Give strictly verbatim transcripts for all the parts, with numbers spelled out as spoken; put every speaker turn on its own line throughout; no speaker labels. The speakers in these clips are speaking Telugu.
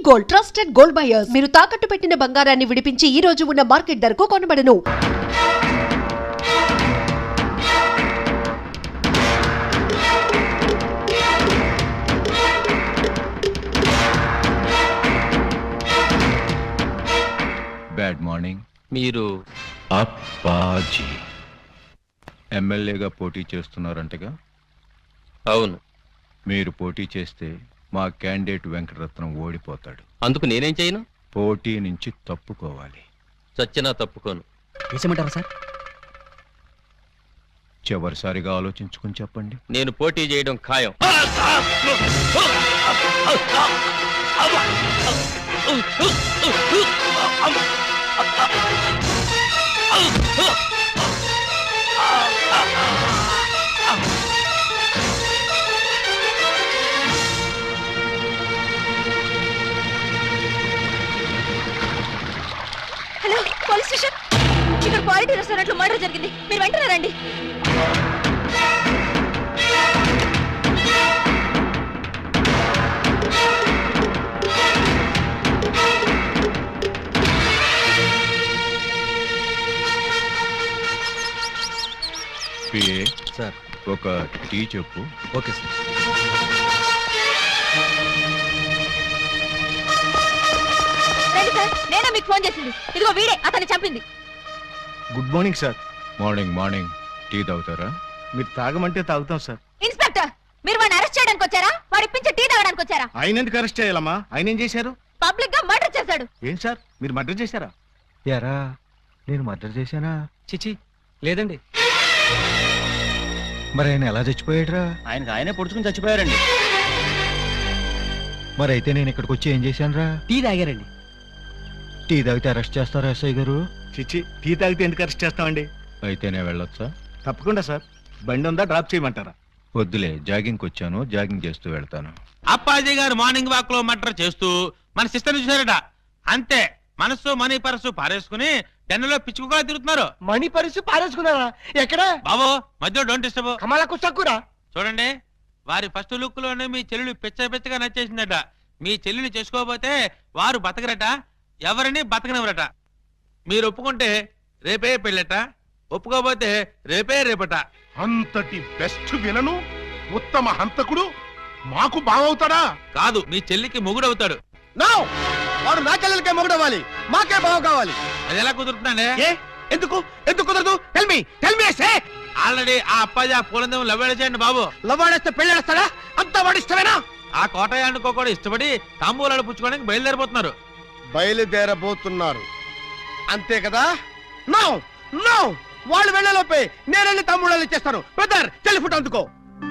Gold trusted gold buyers. మీరు తాకట్టు పెట్టిన బంగారాన్ని విడిపించి ఈ రోజు ఉన్న మార్కెట్ ధరకు కొనబడను.
Bad morning.
మీరు
అప్పాజీ ఎమ్మెల్యేగా పోటీ చేస్తున్నారంటగా?
అవును.
మీరు పోటీ చేస్తే మా క్యాండిడేట్ వెంకటరత్నం ఓడిపోతాడు.
అందుకు నేనేం చేయను?
పోటీ నుంచి తప్పుకోవాలి.
చచ్చినా తప్పుకోను.
వేసేమంటారా సార్?
చివరిసారిగా ఆలోచించుకుని చెప్పండి.
నేను పోటీ చేయడం ఖాయం.
Hello, police station. ఇక్కడ క్వాలిటీ రెస్టారెంట్ లో మర్డర్ జరిగింది. మీరు వెంటనే రండి.
PA
sir.
ఒక టీ చెప్పు.
Okay sir.
రండి సార్, నేనే మీకు ఫోన్ చేసింది. ఇదిగో వీడే అతన్ని చంపింది.
Good morning sir.
Morning morning. Tea తాగుతారా?
మీరు తాగమంటే తాగుతాం సార్.
ఇన్స్పెక్టర్, మీరు వాడిని అరెస్ట్ చేయడానికి వచ్చారా? వాడి ఇప్పించి టీ తాగడానికి వచ్చారా?
ఆయన ఎందుకు అరెస్ట్ చేయాలమ్మా? ఆయన ఏం చేశారు?
పబ్లిక్ గా మర్డర్ చేశాడు.
ఏం సార్, మీరు మర్డర్ చేశారా?
యారా, నేను మర్డర్ చేశానా? చిచి లేదండి.
మరి ఆయన ఎలా చచ్చిపోయాడురా?
ఆయనకు ఆయనే పొడుచుకుని చచ్చిపోయారండి.
మరి అయితే నేను ఇక్కడికి వచ్చి ఏం చేశానురా?
టీ తాగారండి.
టీ తాగితే అరెస్ట్ చేస్తారా ఎస్ఐ గారు?
చిచ్చి, టీ తాగితే ఎందుకు అరెస్ట్ చేస్తామండి?
అయితే నేను వెళ్ళొచ్చా?
తప్పకుండా సార్. బండి ఉందా, డ్రాప్ చేయమంటారా?
వద్దులే, జాగింగ్కి వచ్చాను, జాగింగ్ చేస్తూ వెళ్తాను.
అప్పాజీ గారు మార్నింగ్ వాక్ లో మర్డర్ చేస్తూ మన సిస్టర్ చూసారట. అంతే, మనసు మనీ పరసు పారేసుకుని టెన్నులో పిచ్చుకోగా తిరుగుతున్నారు.
మణి పరిస్థితి పారేసుకున్నారా? ఎక్కడ
బాబో మధ్యలో డోంట్ డిస్టర్బ్.
కమలకు చక్కురా.
చూడండి, వారి ఫస్ట్ లుక్ లోనే మీ చెల్లెలు పిచ్చ పిచ్చగా నచ్చేసిందట. మీ చెల్లెలు చేసుకోకపోతే వారు బతకరట, ఎవరిని బతకనివ్వరట. మీరు ఒప్పుకుంటే రేపే పెళ్ళట, ఒప్పుకోకపోతే రేపే రేపట.
అంతటి బెస్ట్ విలను ఉత్తమ హంతకుడు మాకు బావవుతాడా?
కాదు, మీ చెల్లికి మొగుడవుతాడు.
వాడు నా చెల్లెలకే మొగుడవ్వాలి, మాకే బావ కావాలి.
అది ఎలా కుదురుతుందండి?
ఎందుకు ఎందుకు కుదరదు? Tell me tell me say.
Already ఆ అప్పాజీ ఆ పూలందం లవ్వేళ చేయండి బాబు.
లవ్వాడేస్తే పెళ్ళేస్తాడా? అంతా వాడు ఇష్టమేనా?
ఆ కోటయానుకో కూడా ఇష్టపడి తాంబూలాలు పుచ్చుకోవడానికి బయలుదేరిపోతున్నారు.
బయలుదేరబోతున్నారు అంతే కదా? నో నో, వాళ్ళు వెళ్ళలోపే నేను వెళ్ళి తమ్ముళ్ళు ఇచ్చేస్తాను. బ్రదర్, చెల్లి ఫుట్ అందుకో.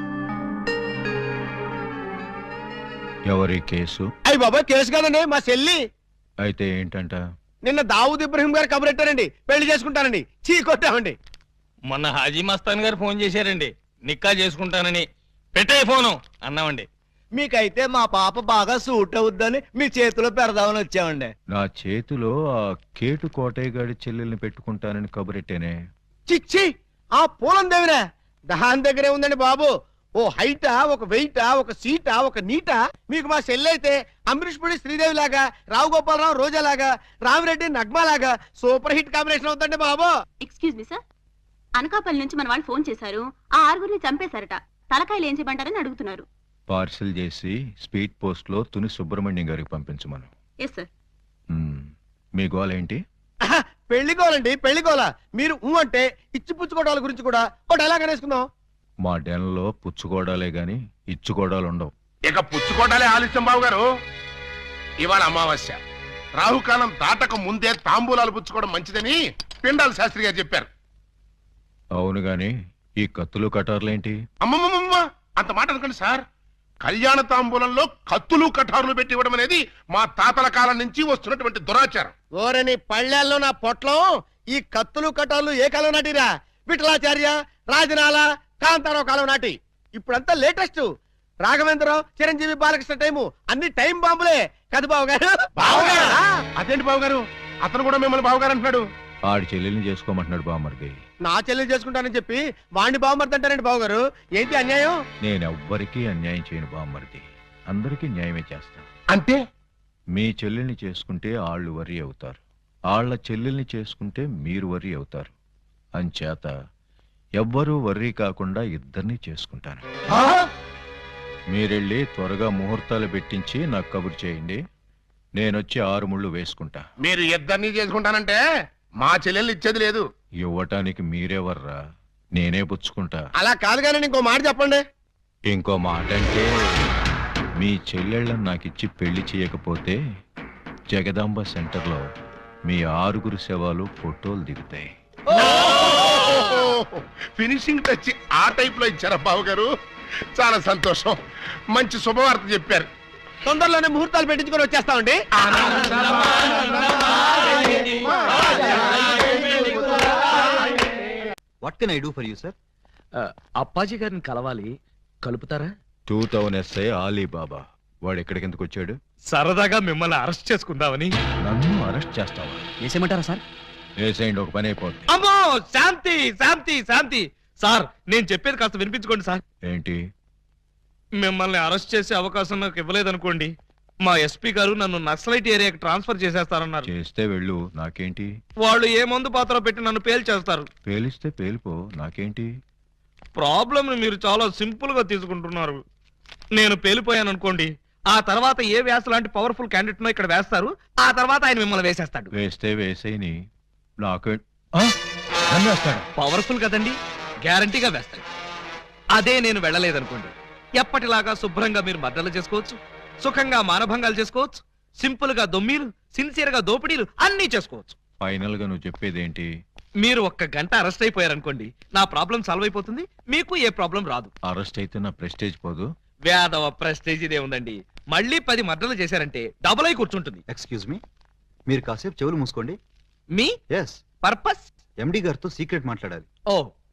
ఎవరి కేసు?
అయ్యి బాబా, కేసు కాదండి, మా చెల్లి.
అయితే ఏంటంట?
నిన్న దావూద్ ఇబ్రహీం గారు కబురెట్టారండి, పెళ్లి చేసుకుంటానండి. చీ కొట్టామండి.
మొన్న హాజీ మస్తాన్ గారు ఫోన్ చేశారండి, నిక్కా చేసుకుంటానని. పెట్టే ఫోను అన్నామండి.
మీకైతే మా పాప బాగా సూట్ అవుద్దని మీ చేతిలో పెడదామని వచ్చామండి.
నా చేతిలో ఆ కేటు కోటయ్య గారి చెల్లెల్ని పెట్టుకుంటానని కబురెట్టేనే.
చిచ్చి, ఆ పూలం దేవిరా దాని దగ్గరే ఉందండి బాబు. ఓ హైటా, ఒక వెయిటా, ఒక సీటా, ఒక నీటా. మీకు మా చెల్లైతే అమరీష్ పుడి శ్రీదేవి లాగా, రావు గోపాలరావు రోజా లాగా, రామిరెడ్డి నగ్మా లాగా సూపర్ హిట్ కాంబినేషన్ అవుతుందండి బాబు.
ఎక్స్క్యూజ్ మీ సార్, అనకాపల్లి నుంచి మన వాళ్ళు ఫోన్ చేశారు. ఆ ఆరుగురిని చంపేశారట. తలకాయలు ఏం చేయమంటారని అడుగుతున్నారు.
పార్సిల్ చేసి స్పీడ్ పోస్ట్ లో తుని సుబ్రహ్మణ్యం గారికి పంపించమను.
Yes sir.
మ్మ్. మీ గోల్ ఏంటి?
పెళ్లికోవాలండి, పెళ్లికోవాల. మీరు ఊ అంటే ఇచ్చి పుచ్చుకోవడాల గురించి కూడా ఒక డైలాగ్ అనేసుకుందాం.
మా డెన్లో పుచ్చుకోవడాలే గాని ఇచ్చుకోవడాలు ఉండవు.
ఇక పుచ్చుకోటాలే ఆలస్యం బాబు గారు. ఇవాళ అమావాస్య, రాహుకాలం దాటక ముందే తాంబూలాలు పుచ్చుకోవడం మంచిదని పిండాల శాస్త్రి గారు చెప్పారు.
అవును గాని ఈ కత్తులు కటార్లేంటి?
అమ్మమ్మమ్మ, అంత మాట అనుకోండి సార్. కళ్యాణ తాంబూలంలో కత్తులు కటారులు పెట్టి ఇవ్వడం అనేది మా తాతల కాలం నుంచి వస్తున్నటువంటి దురాచారం.
ఓరని పళ్ళెల్లో నా పొట్లం. ఈ కత్తులు కటార్లు ఏ కాలం నాటిరా? విఠలాచార్య, రాజనాల, కాంతారావు కాలం నాటి. ఇప్పుడంతా లేటెస్ట్. రాఘవేంద్రరావు, చిరంజీవి, బాలకృష్ణ టైము అన్ని టైం బాంబులే కదా బాబు గారు?
బావగారు? అదేంటి బాబు గారు, అతను కూడా మిమ్మల్ని బావగారు అంటున్నాడు.
ఆడి చెల్లెల్ని చేసుకోమంటున్నాడు బామ్మర్ది.
నా చెల్లి చేసుకుంటానని చెప్పి వాణ్ణి బావమర్ది అంటారండి బాబు గారు. ఏంటి అన్యాయం?
నేనెవ్వరికీ అన్యాయం చేయను బామ్మర్ది, అందరికీ న్యాయమే చేస్తా.
అంటే
మీ చెల్లెల్ని చేసుకుంటే ఆళ్ళు వరి అవుతారు, ఆళ్ల చెల్లెల్ని చేసుకుంటే మీరు వరి అవుతారు. అంచేత ఎవ్వరూ వర్రీ కాకుండా ఇద్దరిని చేసుకుంటాను. మీరెళ్ళి త్వరగా ముహూర్తాలు పెట్టించి నాకు కబురు చేయండి. నేనొచ్చి ఆరు ముళ్ళు వేసుకుంటా.
మీరు ఇద్దరిని చేసుకుంటానంటే మా చెల్లెళ్ళు ఇచ్చేది లేదు.
ఇవ్వటానికి మీరెవర్రా, నేనే పుచ్చుకుంటా.
అలా కాదు కానీ ఇంకో మాట చెప్పండి.
ఇంకో మాట అంటే మీ చెల్లెళ్ళని నాకిచ్చి పెళ్లి చేయకపోతే జగదాంబ సెంటర్లో మీ ఆరుగురు శవాలు ఫోటోలు దిగుతాయి.
ఫినిషింగ్ టచ్ ఆ టైప్ లో ఇచ్చారా బాబు గారు? చాలా సంతోషం, మంచి శుభవార్త చెప్పారు.
తొందరలోనే ముహూర్తాలు పెట్టించుకొని వచ్చేస్తామండి.
What can I do for you sir?
Appaji గారిని కలవాలి, కలుపుతారా?
టూ థౌజండ్ ఎస్ఐ ఆలీబాబా వాడు ఎక్కడికి ఎందుకు వచ్చాడు?
సరదాగా మిమ్మల్ని అరెస్ట్ చేసుకుందామని.
నన్ను అరెస్ట్ చేస్తావా?
వేసేయమంటారా సార్?
వేసేయండి, ఒక పని అయిపోద్ది.
అమ్మో, శాంతి శాంతి శాంతి. సార్ నేను చెప్పేది కాస్త వినిపించుకోండి సార్.
ఏంటి?
మిమ్మల్ని అరెస్ట్ చేసే అవకాశం నాకు ఇవ్వలేదనుకోండి, మా ఎస్పీ గారు నన్ను నక్సలైట్ ఏరియాకి ట్రాన్స్ఫర్ చేసేస్తారన్నారు.
చేస్తే వెళ్ళు, నాకేంటి?
వాళ్ళు ఏ మందు పాత్ర పెట్టి నన్ను పేల్చేస్తారు.
పేలిస్తే పేలిపో, నాకేంటి?
ప్రాబ్లం మీరు చాలా సింపుల్ గా తీసుకుంటున్నారు. నేను పేలిపోయాను అనుకోండి, ఆ తర్వాత ఏ వ్యాస లాంటి పవర్ఫుల్ క్యాండిడేట్ నో ఇక్కడ వేస్తారు, ఆ తర్వాత ఆయన మిమ్మల్ని వేసేస్తాడు.
వేస్తే వేసేయని, నాకే నన్ను వేస్తాడు.
పవర్ఫుల్ కదండి, గ్యారంటీగా వేస్తాడు. అదే నేను వెళ్ళలేదనుకోండి, ఎప్పటిలాగా శుభ్రంగా మీరు మర్డర్లు చేసుకోవచ్చు, సుఖంగా మానభంగాలు చేసుకోవచ్చు, సింపుల్ గా దొమ్మీలు, సిన్సియర్ గా దోపిడీలు అన్నీ చేసుకోవచ్చు.
ఫైనల్ గా నువ్వు చెప్పేదేంటి?
మీరు ఒక్క గంట అరెస్ట్ అయిపోయారనుకోండి, నా ప్రాబ్లం సాల్వ్ అయిపోతుంది, మీకు ఏ ప్రాబ్లం రాదు.
అరెస్ట్ అయితే నా ప్రెస్టేజ్ పోదు?
వేదవ ప్రెస్టేజ్ ఇదే ఉందండి. మళ్ళీ పది మర్డర్లు చేశారంటే డబుల్ అయి కూర్చుంటుంది.
ఎక్స్క్యూజ్ మీ, మీరు కాసేపు చెవులు మూసుకోండి.
Me
yes,
purpose?
ఎండి గారితో సీక్రెట్ మాట్లాడాలి.
ఓ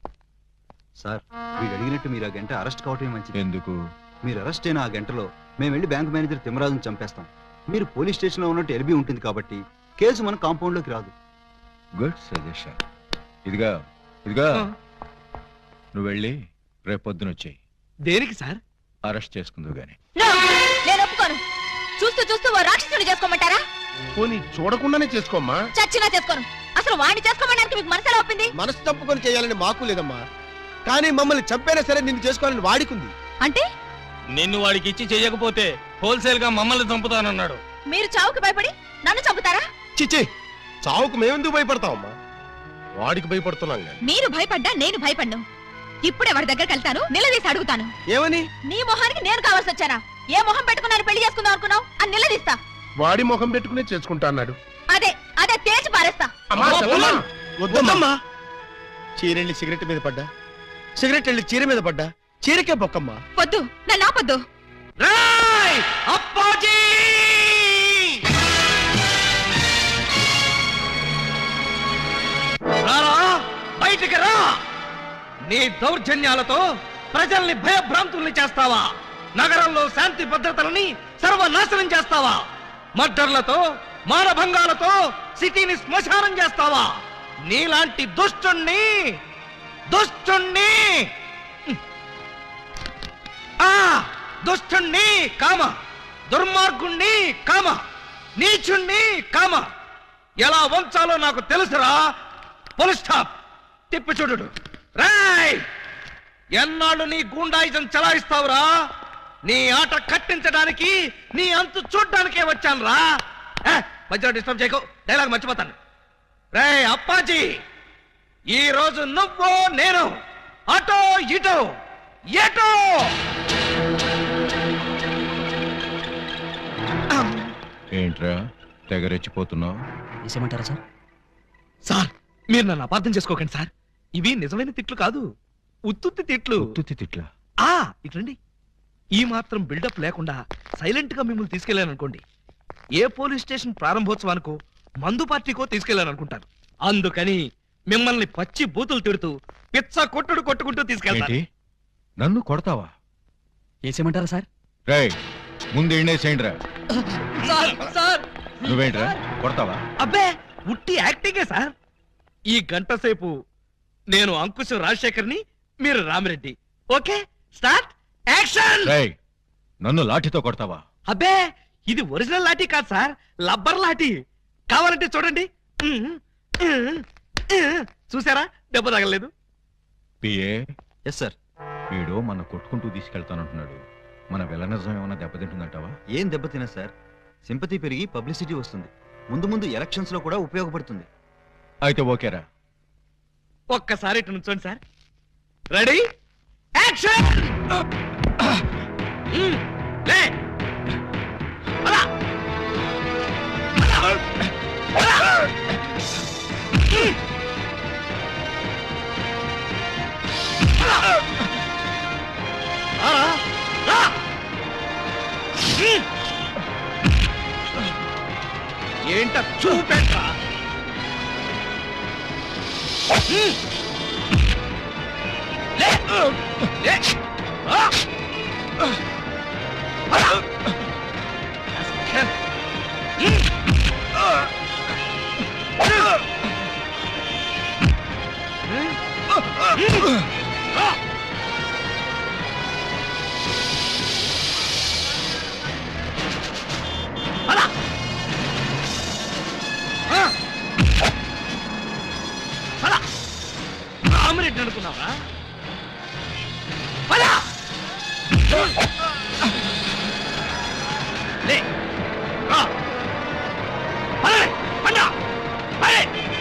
సార్, వీడు అడిగినట్టు మీరు ఆ గంట అరెస్ట్ కావటమే మంచిది.
ఎందుకు?
మీరు అరెస్ట్ అయిన ఆ గంటలో మేము వెళ్ళి బ్యాంక్ మేనేజర్ తిమ్మరాజును చంపేస్తాం. మీరు పోలీస్ స్టేషన్ లో ఉన్నట్టు ఎల్బీ ఉంటుంది కాబట్టి కేసు మన కాంపౌండ్ లోకి రాదు.
Good suggestion. ఇదిగా ఇదిగా నువ్వు వెళ్ళి రేపొద్దున వచ్చేయి.
దేనికి సార్?
అరెస్ట్ చేసుకుందు గాని.
నేను ఒప్పుకోను. చూస్తూ చూస్తూ ఓ రాక్షసుని చేసుకోమంటారా?
పోనీ చూడకుండానే చేసుకోమ్మా.
చచ్చినా చేసుకోను. అసలు వాడిని చేసుకోమడానికి మీకు మనసులో ఒప్పింది?
మనసు తప్పుకొని చేయాలని మాకు లేదమ్మా, కానీ మమ్మల్ని చంపైనా సరే నిన్ను చేసుకోవాలని వాడికుంది.
అంటే
నిన్ను వాడికి ఇచ్చి చెయ్యకపోతే హోల్సేల్ గా మమ్మల్ని చంపుతానన్నాడు.
మీరు చావుకి భయపడి నన్ను చంపుతారా?
చిచి, చావుకు మేమెందుకు భయపడతామమ్మా? వాడికి భయపడుతున్నాం కానీ.
మీరు భయపడ్డా నేను భయపడ్ను. ఇప్పుడే వాడి దగ్గరికి వెళ్తాను, నిలదీసి అడుగుతాను.
ఏమని?
నీ మొహానికి నేను కావాల్సి వచ్చానా? ఏ మొహం పెట్టుకున్నాను పెళ్లి చేసుకుందాం అనుకున్నావు అని నిలదీస్తా.
వాడి ముఖం పెట్టుకునే చేసుకుంటా అన్నాడు.
అదే అదే తేల్చి పారేస్తా.
అమ్మా, చెల్లమ్మా.
వద్దమ్మా. చీరెళ్ళి సిగరెట్ మీద పడ్డా, సిగరెట్ వెళ్ళి చీర మీద పడ్డా, చీరకే బొక్కమ్మా.
వద్దు, నన్ను ఆపొద్దు.
రేయ్ అప్పాజీ! రారా, బయటికి రా. నీ దౌర్జన్యాలతో ప్రజల్ని భయభ్రాంతుల్ని చేస్తావా? నగరంలో శాంతి భద్రతలని సర్వనాశనం చేస్తావా? మర్డర్లతో, మానభంగాలతో సిటీని శ్మశానం చేస్తావా? నీలాంటి దుష్టుణ్ణి దుష్టుణ్ణి ఆ దుష్టుణ్ణి కామ, దుర్మార్గుణ్ణి కామ, నీచుణ్ణి కామ ఎలా వంచాలో నాకు తెలుసురా. Full stop. తిప్పి చూడు. రాయ్, ఎన్నాళ్ళు నీ గూండాయిజం చలాయిస్తావురా? నీ ఆట కట్టించడానికి, నీ అంతు చూడ్డానికే వచ్చాను రా. మధ్యలో డిస్టర్బ్ చేయకు, డైలాగ్ మర్చిపోతాను. రే అప్పాజీ, ఈ రోజు నువ్వు నేను అటో ఇటో ఎటో.
ఏంట్రా తెగరెచ్చిపోతున్నావు?
వేసేయమంటారా సార్? సార్, మీరు నన్ను అపార్థం చేసుకోకండి సార్. ఇవి నిజమైన తిట్లు కాదు, ఉత్తుత్తి తిట్లు.
ఉత్తుత్తి తిట్లా?
ఆ ఇట్లండి. ఈ మాత్రం బిల్డప్ లేకుండా సైలెంట్ గా మిమ్మల్ని తీసుకెళ్లాను అనుకోండి, ఏ పోలీస్ స్టేషన్ ప్రారంభోత్సవానికో మందు పార్టీకో తీసుకెళ్లాను అనుకుంటారు. అందుకని మిమ్మల్ని పచ్చి బూతులు తిడుతూ పిచ్చ కొట్టుడు కొట్టుకుంటూ తీసుకెళ్తాను.
నన్ను కొడతావా?
వేసేయమంటారా సార్?
రేయ్, ముందు ఎండేసేయండిరా.
సార్ సార్
నువ్వేంట్రా కొడతావా?
అబ్బే, ఉట్టి యాక్టింగే సార్. ఈ గంట సేపు నేను అంకుశం రాజశేఖర్ని, మీరు రామిరెడ్డి. Okay, start action.
రేయ్, నన్ను లాఠీతో కొడతావా?
అబ్బే, ఇది ఒరిజినల్ లాఠీ కాదు సార్, లబ్బర్ లాఠీ. కావాలంటే చూడండి. ఉమ్, ఉమ్, ఉమ్. చూసారా, దెబ్బ తగలలేదు.
PA,
yes sir.
వీడు మన కొట్టుకుంటూ తీసుకెళ్తానంటున్నాడు. మన విలనిజం ఏమైనా దెబ్బతింటుందంటావా?
ఏం దెబ్బతినా సార్, సింపతి పెరిగి పబ్లిసిటీ వస్తుంది. ముందు ముందు ఎలక్షన్స్ లో కూడా ఉపయోగపడుతుంది.
అయితే ఓకేరా.
ఒక్కసారి ఇటు నుంచోండి సార్. Ready, action. ఉమ్, లే. అలా. అలా. అలా. ఉమ్. అలా. రా. ఉమ్. ఏంట చూపెట్రా. ఉమ్. లే. లే. ఆ. అలా. ఉమ్. ఆ. అలా. అలా. ఆమ్లెట్ అనుకున్నావా? అలా. లే. రా. అలా. పండా. అరే.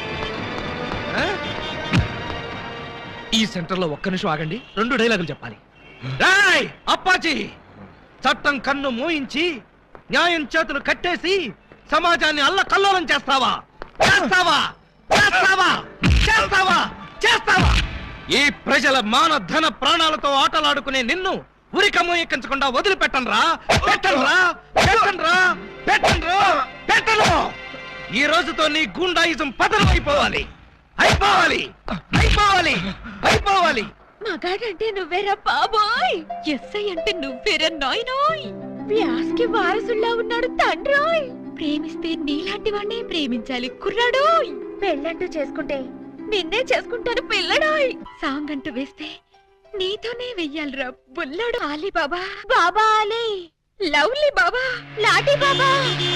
ఈ సెంటర్ లో ఒక్క నిమిషం ఆగండి, రెండు డైలాగులు చెప్పాలి. రాయ్ అప్పాజీ, చట్టం కన్ను మోయించి న్యాయం చేతులు కట్టేసి సమాజాన్ని అల్లకల్లోలం చేస్తావా? చేస్తావా? చేస్తావా? చేస్తావా? చేస్తావా? ఈ ప్రజల మాన ధన ప్రాణాలతో ఆటలాడుకునే నిన్ను ఉరికమ్మ ఎక్కించకుండా వదిలిపెట్టనురా. పెట్టనురా. పెట్టనురా. పెట్టనురా. పెట్టను. ఈ రోజుతో నీ గుండాయిజం పతనం అయిపోవాలి. అయిపోవాలి. అయిపోవాలి. అయిపోవాలి.
మగాడంటే నువ్వేరా బాబోయ్, ఎస్ఐ అంటే నువ్వేరా నాయనోయ్, వ్యాస్కి వారసుల్లా ఉన్నాడు తండ్రోయ్. ప్రేమిస్తే నీలాంటి వాడినే ప్రేమించాలి కుర్రాడోయ్. పెళ్ళంటూ చేసుకుంటే నిన్నే చేసుకుంటాను పిల్లడోయ్. సాంగ్ అంటూ వేస్తే నీతోనే వెయ్యాలిరా బుల్లడు. Ali Baba, Baba Ali, lovely Baba, లాటీ బాబా.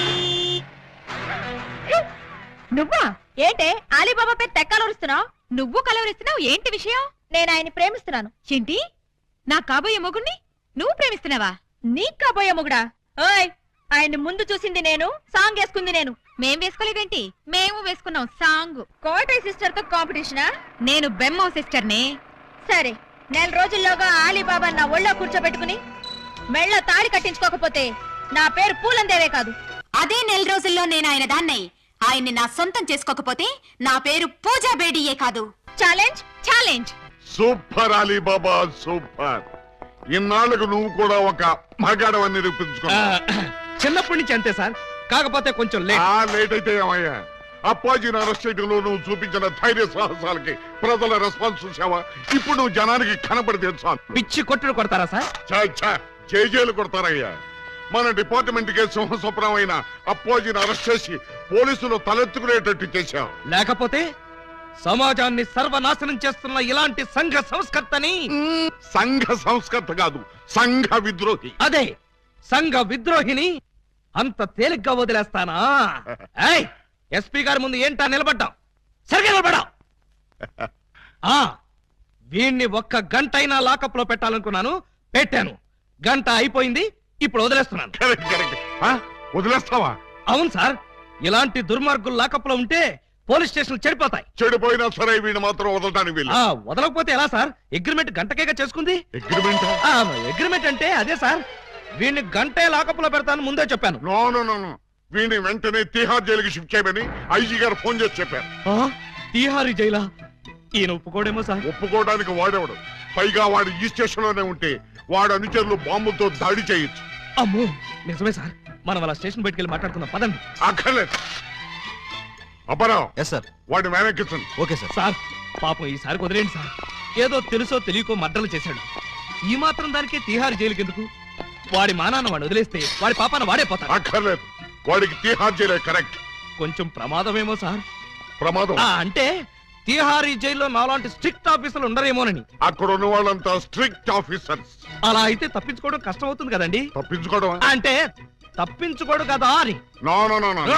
నువ్వా ఏంటే ఆలీబాబా పేరు తెక్కలరుస్తున్నావు? నువ్వు కలవరిస్తున్నావు ఏంటి విషయం? నేను ఆయన్ని ప్రేమిస్తున్నాను. ఏంటి, నా కాబోయే మొగుడిని నువ్వు ప్రేమిస్తున్నావా? నీ కాబోయే మొగుడా? ఓయ్, ఆయన ముందు చూసింది నేను, సాంగ్ వేసుకుంది నేను. మేం వేసుకోలేదేంటి? మేము వేసుకున్నాం సాంగ్. కోటయ్య సిస్టర్ తో కాంపిటీషనా? నేను బెమ్మో సిస్టర్ నే. సరే, నెల రోజుల్లోగా ఆలీబాబా నా ఒళ్ళో కూర్చోబెట్టుకుని మెళ్ళ తాళి కట్టించుకోకపోతే నా పేరు పూలందేవే కాదు.
అదే నెల రోజుల్లో నేను ఆయన దాన్నై ఆయన్ని నా సొంతం చేసుకోకపోతే నా పేరు పూజా బేడియే కాదు.
Challenge, challenge.
Super Ali Baba, super. ఇన్నాళ్ళకు నువ్వు కూడా ఒక మగాడవని నిరూపించుకున్నా.
చిన్నప్పటి నుంచి అంతే సార్, కాకపోతే కొంచెం లేట్.
ఆ లేట్ అయితే ఏమయ్యా, అప్పాజీని అరెస్ట్ చేయడంలో నువ్వు చూపించిన ధైర్య సాహసాలకి ప్రజల రెస్పాన్స్ చూసావా? ఇప్పుడు నువ్వు జనానికి కనపడి తెలుసా?
పిచ్చి కొట్టుడు కొడతారా సార్?
జైజేలు కొడతారయ్యా. మన డిపార్ట్మెంట్ కే సింహస్వప్నం అయిన అప్పాజీని అరెస్ట్ చేసి పోలీసులు తలెత్తుకునేటట్టు చేశావు.
లేకపోతే సమాజాన్ని సర్వనాశనం చేస్తున్న ఇలాంటి సంఘ సంస్కర్తని.
సంఘ సంస్కర్త కాదు, సంఘ విద్రోహి.
అదే సంఘ విద్రోహిని అంత తేలిగ్గా వదిలేస్తానా? ఏయ్, ఎస్పీ గారి ముందు ఏంటా నిలబడ్డావు? సరిగ్గా నిలబడ్డావు. ఆ వీణ్ణి ఒక్క గంట అయినా లాకప్ లో పెట్టాలనుకున్నాను, పెట్టాను. గంట అయిపోయింది, ఇప్పుడు వదిలేస్తున్నాను.
Correct, correct. ఆ, వదిలేస్తావా?
అవును సార్, ఇలాంటి దుర్మార్గులు లాకప్ లో ఉంటే పోలీస్ స్టేషన్ చెడిపోతాయి.
చెడిపోయినా సరే వీడిని మాత్రం వదలటానికి వీలు.
ఆ వదలకపోతే ఎలా సార్? అగ్రిమెంట్ గంటకేగా చేసుకుంది.
అగ్రిమెంట్?
అగ్రిమెంట్ అంటే అదే సార్, వీడిని గంటే లాకప్ లో పెడతాను ముందే చెప్పాను.
నో నో నో నో, వీడిని వెంటనే తిహార్ జైలుకి షిఫ్ట్ చేయమని ఐజీ గారు ఫోన్ చేసి చెప్పారు.
తిహారీ జైలా? ఈయన ఒప్పుకోడేమో సార్.
ఒప్పుకోవడానికి వాడేవాడు, పైగా వాడు ఈ స్టేషన్ లోనే ఉంటే వాడు అనుచరులు బాంబులతో దాడి చేయొచ్చు.
అమ్మో, నిజమే సార్. మనం అలా స్టేషన్ బయటికి వెళ్ళి మాట్లాడుకుందాం పదండి.
అక్కర్లేదు. Aparao,
yes sir.
వాడిని వెనక్కించండి.
Okay sir.
సార్ పాపం ఈసారి కుదిరేండి సార్. ఏదో తెలుసో తెలియకో మర్డర్లు చేశాడు. ఈ మాత్రం దానికే తిహార్ జైలుకి ఎందుకు? వాడి మానాన్న వాడు వదిలేస్తే వాడి పాపాన వాడే పోతాడు.
అక్కర్లేదు, వాడికి తిహార్ జైలే కరెక్ట్.
కొంచెం ప్రమాదమేమో సార్.
ప్రమాదం
ఆ, అంటే తిహారీ జైల్లో నాలాంటి స్ట్రిక్ట్ ఆఫీసర్లు ఉండరేమోనని.
అక్కడ ఉన్న వాళ్ళంతా స్ట్రిక్ట్ ఆఫీసర్స్.
అలా అయితే తప్పించుకోవడం కష్టం అవుతుంది కదండి.
తప్పించుకోవడం
అంటే తప్పించుకోడు కదా అని.
నో నో నో నో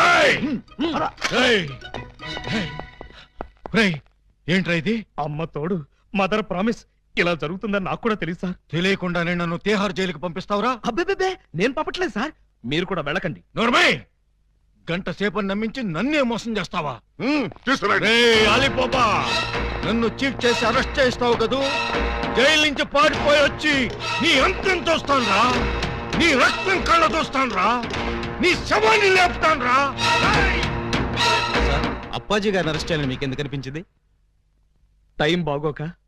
ఏంట్రా ఇది?
అమ్మ తోడు, మదర్ ప్రామిస్. ఇలా జరుగుతుందని నాకు కూడా తెలుసు సార్.
తెలియకుండానే నన్ను తిహార్ జైలుకి పంపిస్తావురా?
అబ్బే, నేను పంపట్లేదు సార్. మీరు కూడా వెళ్ళకండి.
నోర్మై, గంట సేపని నమ్మించి నన్నే మోసం చేస్తావా?
తీసుకురండి.
అలీబాబా, నన్ను చీట్ చేసి అరెస్ట్ చేస్తావు కదూ? జైలు నుంచి పారిపోయి వచ్చి నీ అంతం చూస్తాన్రా, నీ రక్తం కళ్ళ చూస్తాన్రా, నీ శవాన్ని లేపుతాన్రా.
అప్పాజీ గారిని అరెస్ట్ చేయాలని మీకు ఎందుకు అనిపించింది?
టైం బాగోక